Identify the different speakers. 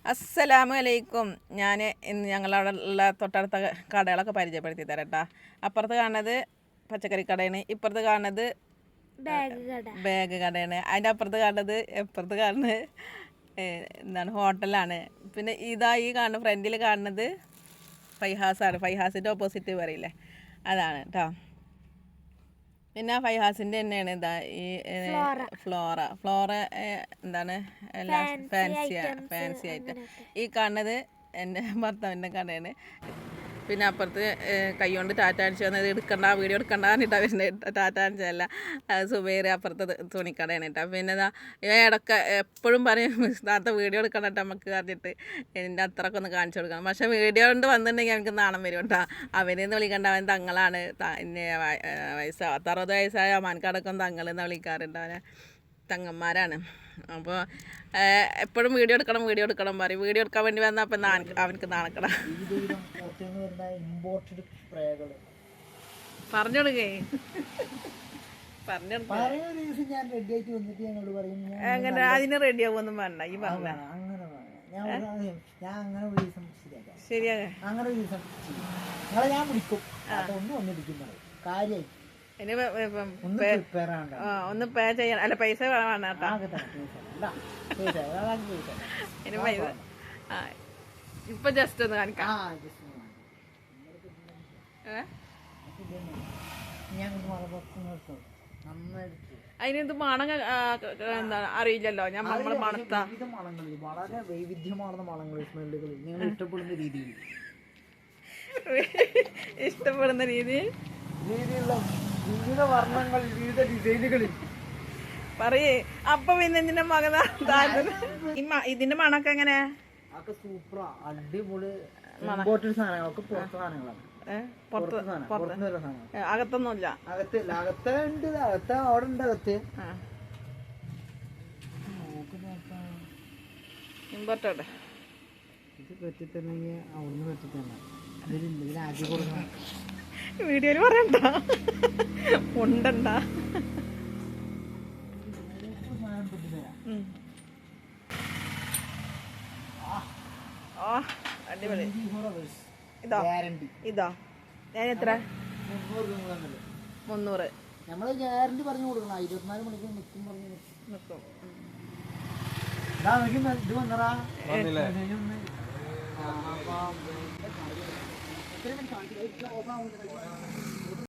Speaker 1: അസ്സലാമു അലൈക്കും. ഞാൻ ഇന്ന് ഞങ്ങളവിടെ ഉള്ള തൊട്ടടുത്ത കടകളൊക്കെ പരിചയപ്പെടുത്തി തരാം കേട്ടോ. അപ്പുറത്ത് കാണുന്നത് പച്ചക്കറി കടയാണ്, ഇപ്പുറത്ത് കാണുന്നത് ബാഗ് കടയാണ്, അതിൻ്റെ അപ്പുറത്ത് കാണുന്നത് എന്താണ് ഹോട്ടലാണ്. പിന്നെ ഇതാ ഈ കാണുന്ന ഫ്രണ്ടിൽ കാണുന്നത് ഫൈഹാസാണ്. ഫൈഹാസിൻ്റെ ഓപ്പോസിറ്റ് പറയില്ലേ, അതാണ് കേട്ടോ. പിന്നെ ഫൈഹാസിൻ്റെ തന്നെയാണ് ഇതാ ഈ ഫ്ലോറ എന്താണ് ഫാൻസി ആയിട്ട്. ഈ കാണുന്നത് എൻ്റെ ഭർത്താവിൻ്റെ കടയാണ്. പിന്നെ അപ്പുറത്ത് കൈകൊണ്ട് ടാറ്റ അടിച്ചു വന്നത് എടുക്കണ്ട, വീഡിയോ എടുക്കണ്ട എന്നിട്ടാ വരുന്നത്. ടാറ്റ അടിച്ചതല്ല, സുബൈർ അപ്പുറത്ത് തുണിക്കടയാണ് കേട്ടോ. പിന്നെ ഇടയ്ക്ക് എപ്പോഴും പറയും താത്ത വീഡിയോ എടുക്കണം കേട്ടോ നമുക്ക് പറഞ്ഞിട്ട് എൻ്റെ അത്രയൊക്കെ ഒന്ന് കാണിച്ചു കൊടുക്കണം. പക്ഷേ വീഡിയോ കൊണ്ട് വന്നിട്ടുണ്ടെങ്കിൽ എനിക്ക് നാണം വരും കേട്ടോ. അവനെന്ന് വിളിക്കേണ്ട അവൻ തങ്ങളാണ്. 60 വയസ്സായ അമാൻകാടൊക്കെ തങ്ങളെന്ന് വിളിക്കാറുണ്ട്. അവനെ തങ്ങന്മാരാണ്. അപ്പോൾ എപ്പോഴും വീഡിയോ എടുക്കണം പറയും. വീഡിയോ എടുക്കാൻ വേണ്ടി വന്നാൽ അപ്പം അവനക്ക് നാണക്കണം. പറഞ്ഞോടുക്കേ അങ്ങനെ അതിന് റെഡി ആവുമൊന്നും വേണ്ട. ഈ പറഞ്ഞ ശരിയാ. ഒന്ന് പേ ചെയ്യാൻ അല്ല, പൈസ വേണം കേട്ടോ. ഇനി പൈസ ഇപ്പൊ ജസ്റ്റ് ഒന്ന് കാണിക്കാം. അതിനെന്ത് മണം എന്താണ് അറിയില്ലല്ലോ. നമ്മള് മണത്താ
Speaker 2: വളരെ വൈവിധ്യമാർന്ന മണങ്ങൾ, സ്മെല്ലുകൾ നിങ്ങൾ ഇഷ്ടപ്പെടുന്ന രീതിയിൽ രീതിയിലുള്ള വിവിധ വർണ്ണങ്ങൾ, വിവിധ ഡിസൈനുകളിൽ
Speaker 1: പറയേ. അപ്പൊ പിന്നെ ഇതിന്റെ മകന ഇതിന്റെ മണൊക്കെ എങ്ങനെ?
Speaker 2: സൂപ്പറാ, അടിപൊളി. ഇമ്പോർട്ടഡ് സാധനങ്ങളൊക്കെ പുറത്തെ സാധനങ്ങളാണ്.
Speaker 1: അകത്തൊന്നുമില്ല.
Speaker 2: അകത്തുണ്ട്, അവിടെ ഉണ്ട്. അകത്ത്
Speaker 1: ഇമ്പോർട്ടഡ്
Speaker 2: ഇത് പറ്റിത്തന്നെങ്കിൽ അവിടുന്ന് പറ്റിത്തന്നെ. ഇതിൽ ആദ്യം കൊടുക്കണം.
Speaker 1: വീഡിയോയിൽ പറയണ്ട, ഉണ്ടണ്ട. അടിപൊളി. ഇതോ ഞാൻ എത്ര? 300.
Speaker 2: നമ്മള് ഗ്യാരണ്ടി പറഞ്ഞു കൊടുക്കണം. 24 മണിക്കൂർ നിൽക്കും പറഞ്ഞു നിൽക്കും. ഇത് വന്നറാ